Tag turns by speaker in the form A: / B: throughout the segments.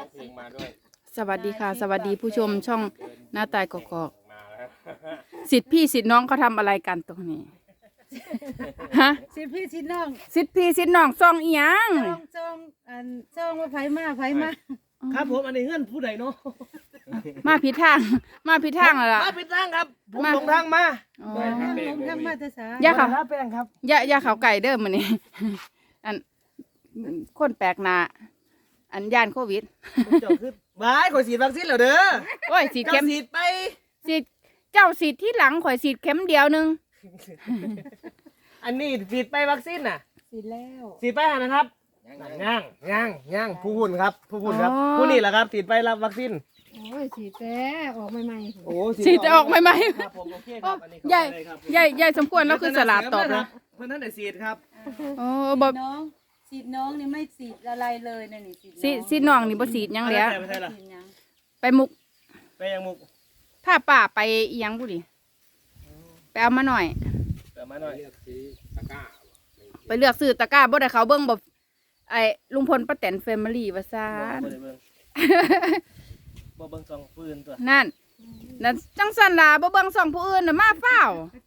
A: องเพลงมาด้วย
B: สวัสดีค่ะ สวัสดีผู้ชมช่องหน้าตายกอก
A: มาแล้ว
B: สิทธิ์พี่สิทธิ์น้องเขาทำอะไรกันตรงนี้ฮะ
C: สิพี่สิน้อง
B: สิทธิ์พี่สิทธิ์น้องซ่องอีหยัง
C: จ้องว่าไผมา
D: ครับผมอันนี้เงื่อนผู้ใดเนาะ
B: มาผิดทางมาผิดทางแล้วล่ะ
D: มาผิดทางครับผม
B: มา
D: หลงทางมา
B: อ๋อ
C: ลงทางมาแต่สา
B: อย่าเขา
D: ท่าแป้งครับ
B: อย่าเขาไก่เด้อมื้อนี้อันคนแปลกหน้าอันย่านโควิด
D: ผมเจ้าคือบ้ายข่อยฉีดวัคซีนแล้วเด้อ
B: โอ้ยสีด
D: เจ้า
B: เข็ม
D: ฉีดไป
B: สีดเจ้าสีดที่หลังข่อยสีดเข็มเดียวหนึง
D: อันนี้ฉีดไปวัคซีนน่ะ
C: สิแล้ว
D: ฉีดไปหานะครับย่างผู้หุ่นครับผู้หุ่นครับผู้นี่แหละครับฉีดไปรับวัคซีน
C: โอ้ยสิแต่ออกใหม่
D: โอ้
B: สีดจะออกใหม่
D: ครับผมโอเคครับอันนี้
B: ๆใหญ่ใหญ่สมควรแล้วคือสลัดตอบนะ
D: เพื่อนท่านได้ฉีดครับ
B: โอ้บ่
E: น้องสีดน้องนี่ไม่สีดอะไรเลยนะนี่สีด
B: สีดน้องนี่บ่สีดหยังแล้ว
D: ไปใช่ล่ะ
E: สีดหยัง
B: ไปมุก
D: ไปยังมุก
B: ถ้าป้าไปอีหยังบุดิไปเอามาหน่อย
D: เดี๋ยวมาหน่อย
A: เลือกซื้อตะกร้า
B: ไปเลือกซื้อตะกร้าบ่ได้เขาเบิ่งบ่ไอ้ลุงพลป้าแตนแฟมิลี่ว่าซ่าน
D: บ่ได้เบิ่งบ่เบิ่งซองปืนตัว
B: นั่นจังซั่นล่ะบ่เบิ่งส่องผู้อื่นน่ะมาเฝ้า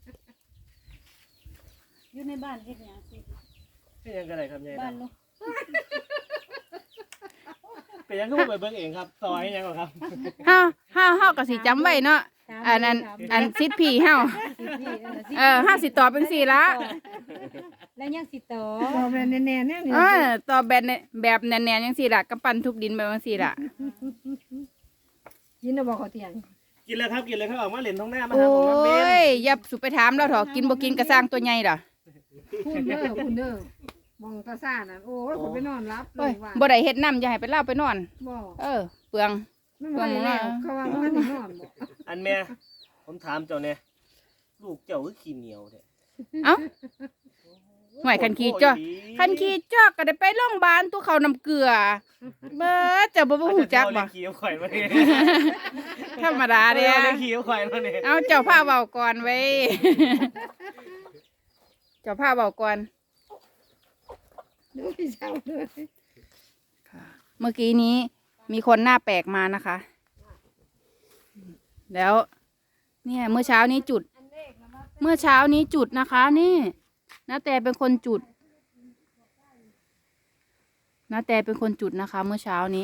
E: อยู่ในบ้านเฮ็ดหยังสิ
D: เป็นยังไงกันครับยาย
E: บ้านลูก
D: เป็นยังก็บ่ไปเบิ่งเองครับซอยยังหรอครับ
B: เฮาก็สิจำไว้เนาะอันสิทธิ์พี่เฮา
E: สิพี่
B: เฮาสิตอบเป็นสี่ละ
E: แล้วยังสิต่อ
C: ต่อไปแน่ๆเนี่ย
B: ตอบแบบแน่นๆจังซี่ล่ะกำปั้นทุบดินแบบจังซี่ล่ะ
C: กินแล้วบ่เขาเตียง
D: กินเลยครับกินเลยครับออกมาเล่นท้องหน้ามา
B: โอ้
D: หาผมมาเป็น
B: ยอย่าสุไปถามแล้วเถอะกินบ่กินก็สร้างตัวใหญ่ล่ะ
C: คุณเด้อมองตาซ่าน่ะโอ้ยผมไปนอนรับเล
B: โอ้ย
C: ยว่า
B: บ่ได้เฮ็ดน้ำอย่าให้ไปเล่าไปนอน
C: บ่
B: เปลือง
C: ไม่ไหวแล้วเขาว่ามันนอนบ่
D: อันแม่ผมถามเจ้าเนี่ยลูกเจ้าคือขี้เหนียวเนี่ย
B: เอ้าห่วยคันขี้จอกก็ได้ไปโรงพยาบาลตัวเขาน้ำเกลือเบิดจะบ่ฮู้จักบ่
D: ขี้เอาข่อยมาเนี่ย
B: ธรรมดาเด้
D: เล่นขี้เอาข่อยมาเนี่ย
B: เอาเจ้าพาเว้าก่อนไว้ เจ้าพาเว้าก่อน
C: ดูพี่เช้าเลย
B: เมื่อกี้นี้มีคนหน้าแปลกมานะคะ แล้ว เนี่ยเมื่อเช้านี้จุดนะคะ นี่นาแต่เป็นคนจุดนาแต่เป็นคนจุดนะคะ เมื่อเช้านี้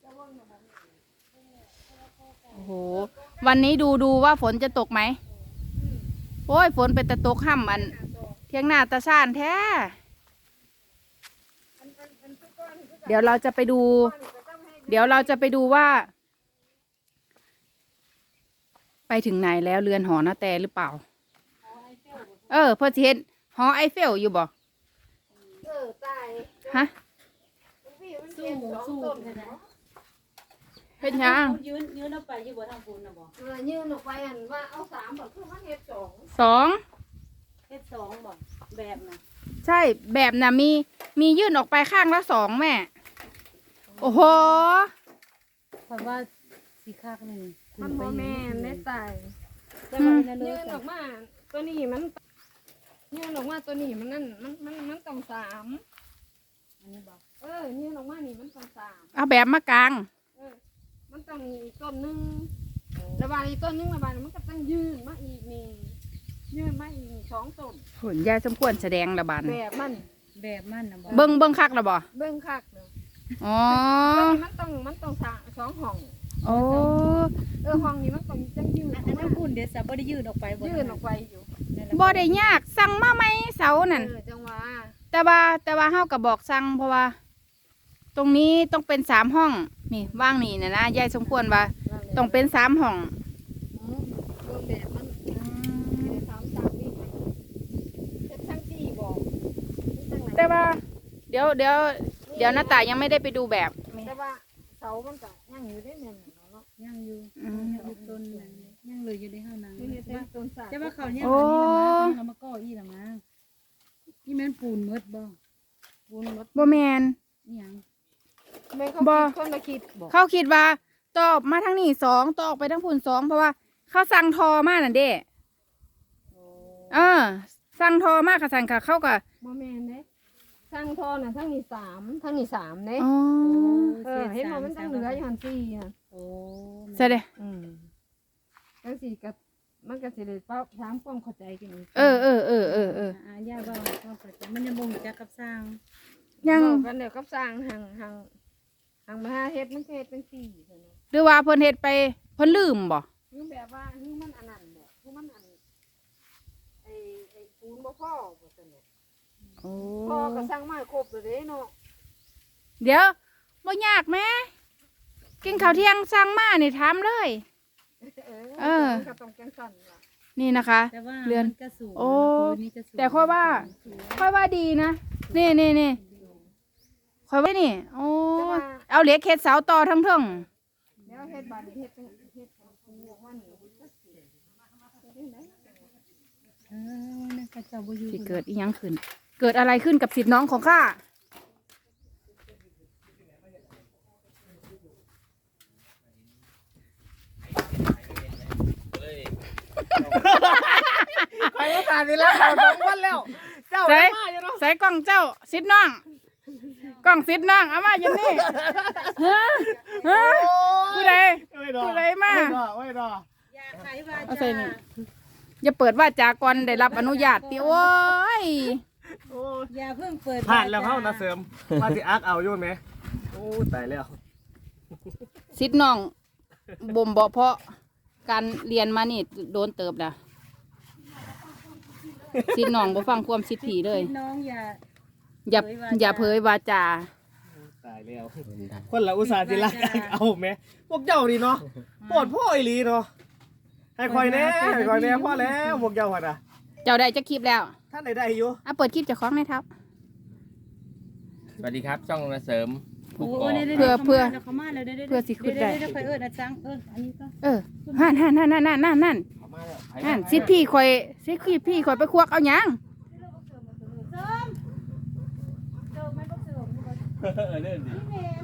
B: โอ้โหวันนี้ดูว่าฝนจะตกไหมโอ้ยฝนเป็นตะตกห่ำอันเที่ยงหน้าตาซ่านแท้เดี๋ยวเราจะไปดูว่า ไปถึงไหนแล้วเรือนหอนาแต่หรือเปล่าพอสิเห็นหอไอเฟลอยู่บ่
C: ตาย
B: ฮะ
E: สู้
B: เฮ็ดหยัง
E: ยืนเอาไปอยู่บ่ทางปูนน่ะบ่
C: ยืนออกไปอันว่าเอา3บ่คือมันเฮ็ด2
B: สอง
E: เฮ็ดสองบ่แบบน่ะ
B: ใช่แบบน่ะมียื่นออกไปข้างละสองแม่ โอ้โห
E: เพราะว่าสิคักนึง
C: มันบ่แม่นได้ตาย
E: แต่ว่านั่นเล
C: ยื
E: ย
C: นออกมาตัวนี้มันยืนออกมาตัวนี้มันนั่นมันต้อง3
E: อันนี้บ่
C: ยืนออกมานี่มันต้อง3
B: เอาแบบมากลาง
C: มันต้องมีต้นหนึงระบาดอีกต้นหนึงระบาดมันก็ต้องยืนมาอีกนี่ยืนมาอีก2ต้น
B: ผลยายสมควรแสดงระบาด
C: แบบมัน
E: แบบมันน่ะบ่
B: เบิ้งคักระบ่
C: เบิ่งคักเด้อ
B: อ๋อ
C: มันต้องสองห้อง
B: โอ้
C: ห้องนี้มันต้องจังยืน
E: อันนั้นปูนเดี๋ยวซะบ่ได้ยืนออกไปบ่
C: ยืนออกไปอยู่
B: บ่ได้ยากสั่งมาไหมเสานั่น
C: จังหวะ
B: แต่ว่าเฮาก็บอกสั่งเพราะว่า ตรงนี้ต้องเป็น3ห้อง นี่ว่างนี่นะยายสมควรว่าต้องเป็น3ห้อง
C: เบิ่งแบบมัน3นี่เฮ็ดทั้งที่บอก
B: แต่ว่า เดี๋ยวหน้าตายยังไม่ได้ไปดูแบบ
C: แต่ว่าเสามันก็ยังอยู่ได้แม่นเนาะ
E: ยังอยู่
B: อืม
E: ยังอยู่ต้นนั้นยังเหลืออยู่ในเฮานั้น
C: นี่เป็นต้นสา
E: แต่ว่าเขาเนี่ย
B: โอ้
E: อันนี้เรามาก่ออีหล่ะมานี่แม่นปูนหมดบ่
C: บุญหมด
B: บ่แมน
E: อีหยัง
C: แม่เขา
B: บ่
C: คิดคนละคิดบอก
B: เขาคิดว่าต่อมาทางนี้2ต่อออกไปทางพุ่น2เพราะว่า เขาสั่งทอมานั่นเด้สั่งทอมาค่ะสั่งค่ะเขาก็
C: บ่แม่นเด้ทั้งท่อน่ะทั้งนี่3ทั้งนี่3เด้
B: อ๋อ
C: เห็นบ่มันตั้งเหลืออยู่หั่น4น่ะ
E: โอ้
B: ใช่เด้
C: จังซี่ก็มันก็สิได้เป้าถามความเข้าใจกันอีก
B: เออ
E: ย่าว่าก็เข้าใจมันยังบ่รู้จักกับสร้าง
B: ยัง
C: บอกกันเดี๋ยวกับสร้างหังมาหาเฮ็ดมันก็เฮ็ดจังซี่ซั่นน่ะ
B: หรือว่าเพิ่นเฮ็ดไปเพิ่นลืมบ่
C: คือแบบว่าคือมันอันนั้นแหละคือมันอันไอ้ปูนบ่พอบ่ซั่นน่ะ
B: โอ้
C: พอก็สร้างมาครบแล้วเด้เนาะ
B: เดี๋ยวบ่ยากแม่กินข้าวเที่ยงสั่งมานี่ถามเลย
C: ก็ต้องจังซั่นล่ะ
B: นี่นะคะ
E: แต่ว่า
B: เรือน
E: มันก็สูง
B: โอ้
E: คืนนี้จะสูง
B: แต่ค่อยว่าดีนะนี่ค่อยว่านี่โอ้เอาเหล็กเฮ็ดเสาต่อทั้งเทิง
C: แล้วเฮ็ดบาดนี้เฮ็ดจังเฮ็ดของปูออกมานี่จักสิเฮ็ดจังได๋
E: นั่นก็เจ้าบ่อยู่
B: สิเกิดอีหยังขึ้น เกิดอะไรขึ้นกับสิทธิ์น้องของข้า
D: ไปก็ขาดนี่แล้วเอา2วันแล้วเจ้า
B: ใส่
D: มาอยู่เนาะ
B: ใส่กล้องเจ้าสิทธิ์น้องกล้องสิทธิ์น้องเอามาอยู่นี่ฮะผู้ใด
D: ไม่ดอ
B: ผู้ใดมา
D: ไม่ดอ
E: อย่าขายว่า
B: เอาใส่นี่ อย่าเปิดว่าจากรได้รับอนุญาตติโอ้ย
D: โอ้
E: อย่าเพิ่งเปิด
D: ผ่านแล้วเข้านะเสริมมาที่อาร์คเอาอยู่ไหมโอ้ตายแล้ว
B: สิทธิ์น้องบ่มบ่เพาะการเรียนมานี่โดนเติบนะสิทธิ์น้องบ่ฟังความสิทธิ์ผีเลย
E: น้องอย่า
B: อย่าอย่าเผยวาจา
D: ตายแล้วคนละอุตส่าห์จิรักเอาไหมพวกเจ้าดีเนาะปวดพ่ออีหลีเนาะให้คอยแน่พ่อแล้วพวกเจ้าหัดอ่ะ
B: เจ้าได้จะคลิปแล้ว
D: ท่านไหนได้อยู่
B: อ่ะเปิดคลิปเจากของหนะครับ
A: สวัสดีครับช่องนาเสริม
E: โอ้
A: กกอก
E: เดี๋ยว
B: เพื่อ
E: เขามาแล้วเดี๋ยว
B: เพื่อสิขึ้นได้
E: เดี๋ยวค่อยอาจารย์อันนี้ก็
B: นั่นสิทธิ์พี่คอยสิทธิ์พี่คอยไปควักเอาหยัง
A: เรื่องดี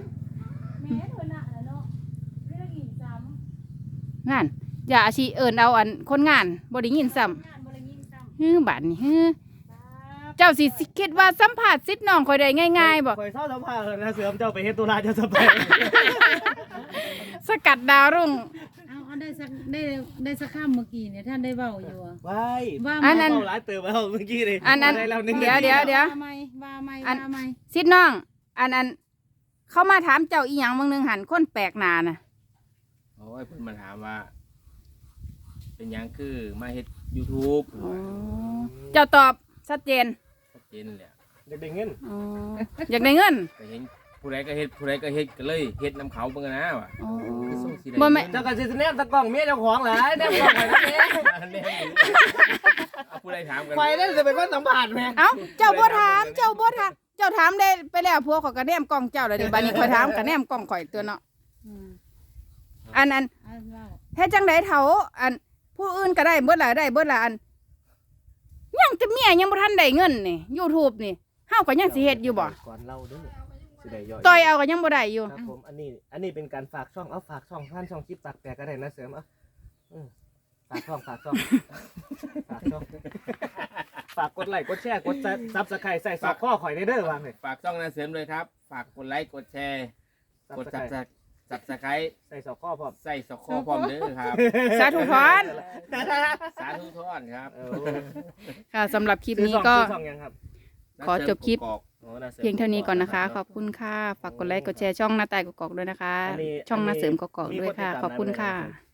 B: งานอย่าอาชีเอิญเอาอันคนงานบ่ได้ยินซ้ำฮือบาดนี่ฮือเจ้าสิคิดว่าสัมผัสสิทธิ์น้องคอยได้ง่ายๆบ่
D: คอยเศร้าสัมภาษณ์นะเสริมเจ้าไปเฮ็ดตุลาเจ้าจะไป
B: สกัดดาวรุ่ง
E: เอาได้สักข้ามเมื่อกี้เนี่ยท่านได้เว้าอยู่อะ
D: ไว้
E: ว่า
B: อันนั้น
D: เมาหลายเติมไปเอาเมื่อกี้เลย
B: อันนั้น
D: ได้แล้วหนึ่ง
B: เดี๋ยว
E: ว่าไม่
B: สิทธิ์น้อง อันเข้ามาถามเจ้าอีหยังบางนึงหันคนแปลกหน้าน่ะ
A: โอ้ยเพิ่นมาถามว่า เป็นหยังคือมาเฮ็ด YouTube
B: เจ้าตอบชัดเจน
A: ชัดเจนเลย
D: เด็กๆเงิน
B: อ๋ออยากได้เงิน
A: ก็เห็นผู้ใดก็เฮ็ดก็เลยเฮ็ดนำเขาเบิ่งนะว่ะ
B: อ๋อ
A: คือส่งสิได้
B: บ่แม่
D: เจ้าก็สิแนบตะกล้องเมียเจ้าของหลายแนบกล้องไปนั่นเอง
A: แน่อยู่เอาผู้ใดถามกัน
D: ไฟนั่นจะเป็นคนสัมผัสไหม
B: เอ้าเจ้าบ่ถามเจ้าถามได้ไปแล้วพวกเขาก็แนมกล้องเจ้าแล้วเดี๋ยวบัดนี้ข่อยถามก็แนมกล้องข่อยตัวเนาะอัน
E: เว้า
B: เฮ็ดจังไดเฒ่าอันผู้อื่นก็ได้เบิดละอันยังจะเมียยังบ่ทันได้เงินนี่ YouTube นี่เฮาก็ยังสิเฮ็ดอยู่บ่
D: ก่อนเล่าเด้อสิได้ย่อย
B: ต่อยเอาก็ยังบ่ได้อยู่
D: ครับผมอันนี้เป็นการฝากช่องเอาฝากช่องท่านช่องคลิปฝากแปลก็ได้นะเสริมเอาฝากช่องฝากช่องฝากกดไลค์กดแชร์กดซับสไครต์ใส่ซอกข้อข่อยในเด้อวางเลย
A: ฝากช่องนาเสริมเลยครับ ฝากกดไลค์กดแชร์กด Subscribe
D: ใส่ซอกข้อพร้อม
A: ใส่สกอพร้อมเด้อครับ
B: สาธุพร
A: สาธุทอนครับ
B: ค่ะสำหรับคลิปนี้
D: ซื้อ
B: ก็
D: ช่องยังครับ
B: ขอจบคลิป
A: กกอก
D: โอ้น่สริม
B: เพียงเท่านี้ก่อนนะคะ ขอบคุณค่ะ ฝากกดไลค์กดแชร์ช่องหน้าตายกอกๆด้วยนะคะ ช่องหน้าเสริมกอกๆด้วยค่ะ ขอบคุณค่ะ